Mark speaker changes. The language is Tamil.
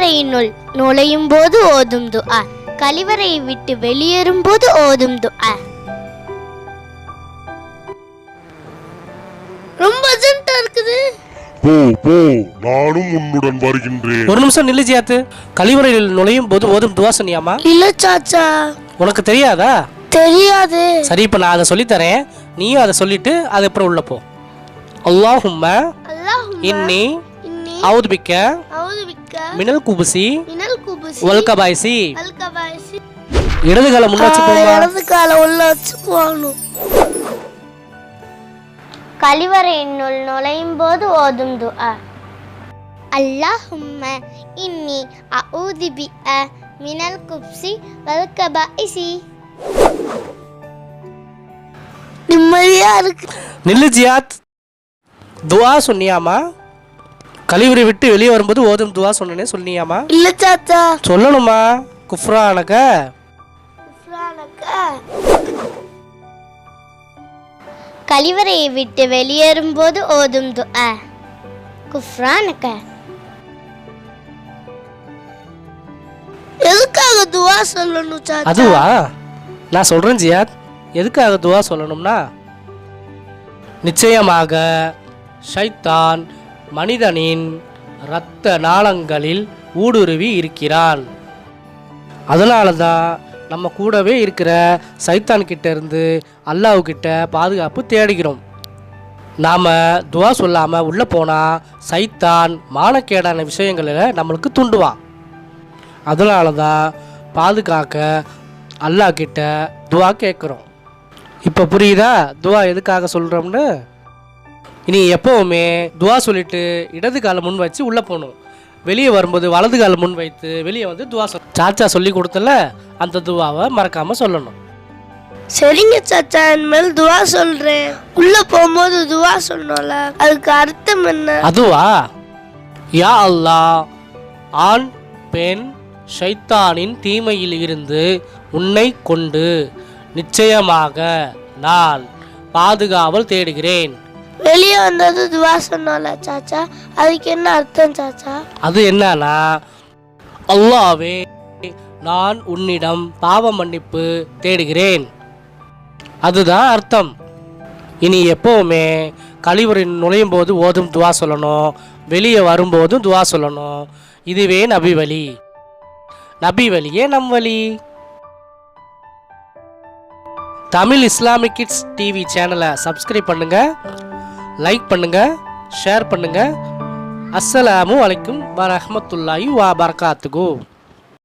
Speaker 1: கழிவறையினுள் நுழையும் போது ஓதும் துஆ, கழிவறையை விட்டு வெளியேறும் போது ஓதும் துஆ. ரொம்ப அர்ஜென்ட்டா இருக்குது.
Speaker 2: போ போ, நானும் உன்னுடன் வருகின்றேன்.
Speaker 3: ஒரு நிமிஷம் நில்லு ஜியாத்து. கழிவறையில் நுழையும் போது ஓதும் துவா சொன்னியாமா?
Speaker 1: இல்ல சாச்சா.
Speaker 3: உனக்கு தெரியாதா?
Speaker 1: தெரியாது.
Speaker 3: சரி, இப்ப நான் அதை சொல்லித்தரேன், நீயும் அதை சொல்லிட்டு அது அப்புறம் உள்ள போ. அல்லாஹும்ம இன்னி அவுது பிக்க மினல் குபுசி வல் கபாயிசி. இடது கால முன்ன வச்சு போமா.
Speaker 1: இடது கால உள்ள வச்சு போகணும். கழிவறையினுள் நுழையும் போது ஓதும் துஆ. அல்லாஹும்ம இன்னி அஊது பிக்க மினல் குப்சி வல் கபாயிசி. நிம்மதியா இருக்கு.
Speaker 3: நில்லு ஜியாத். துவா சொன்னியாமா? கழிவறை விட்டு வெளியே வரும்போது ஓதும் துவா சொன்னேன்னு சொன்னியாமா?
Speaker 1: இல்ல சாச்சா.
Speaker 3: சொல்லணுமா? குஃப்ரானக.
Speaker 1: கழிவறையை விட்டு வெளியேறும் போது ஓதும் துஆ. குஃப்ரானக. எதுக்காக துஆ சொல்லணும் சாச்சா?
Speaker 3: அதுவா நான் சொல்றேன் ஜியாத். எதுக்காக துவா சொல்லணும்னா, நிச்சயமாக ஷைத்தான் மனிதனின் இரத்த நாளங்களில் ஊடுருவி இருக்கிறான். அதனால தான் நம்ம கூடவே இருக்கிற சைத்தான் கிட்ட இருந்து அல்லாஹ்கிட்ட பாதுகாப்பு தேடுகிறோம். நாம் துவா சொல்லாமல் உள்ளே போனால் சைத்தான் மானக்கேடான விஷயங்களில் நம்மளுக்கு தூண்டுவான். அதனால தான் பாதுகாக்க அல்லாஹ்கிட்ட துவா கேட்குறோம். இப்போ புரியுதா துவா எதுக்காக சொல்கிறோம்னு? இனி எப்போவுமே துவா சொல்லிட்டு இடது காலை முன் வச்சு உள்ளே போகணும். வெளியே வரும்போது வலது காலை முன் வைத்து வெளியே வந்து துவா சாச்சா சொல்லி கொடுத்தல அந்த துவாவை மறக்காமல் சொல்லணும்.
Speaker 1: சரிங்க சாச்சா, இனிமேல் துவா சொல்கிறேன். உள்ளே போகும்போது துவா சொன்னோம்ல, அதுக்கு அர்த்தம் என்ன?
Speaker 3: அதுவா, யா அல்லாஹ், ஆண் பெண் ஷைத்தானின் தீமையில் இருந்து உன்னை கொண்டு நிச்சயமாக நான் பாதுகாவல் தேடுகிறேன்.
Speaker 1: வெளியே வந்தது துவா சொன்னோம்ல சாச்சா, அதுக்கு என்ன அர்த்தம் சாச்சா?
Speaker 3: அது என்னன்னா, அல்லாஹ்வே நான் உன்னிடம் பாவ மன்னிப்பு தேடுகிறேன், அதுதான் அர்த்தம். இனி எப்போவுமே கழிவறை நுழையும் போது ஓதும் துவா சொல்லணும், வெளியே வரும்போதும் துவா சொல்லணும். இதுவே நபி வழி. நபி வழியே நம் வழி. தமிழ் இஸ்லாமிக் கிட்ஸ் டிவி சேனலை சப்ஸ்கிரைப் பண்ணுங்க, லைக் பண்ணுங்க, ஷேர் பண்ணுங்க. அஸ்ஸலாமு அலைக்கும் வரஹ்மத்துல்லாஹி வபரகாத்துஹு.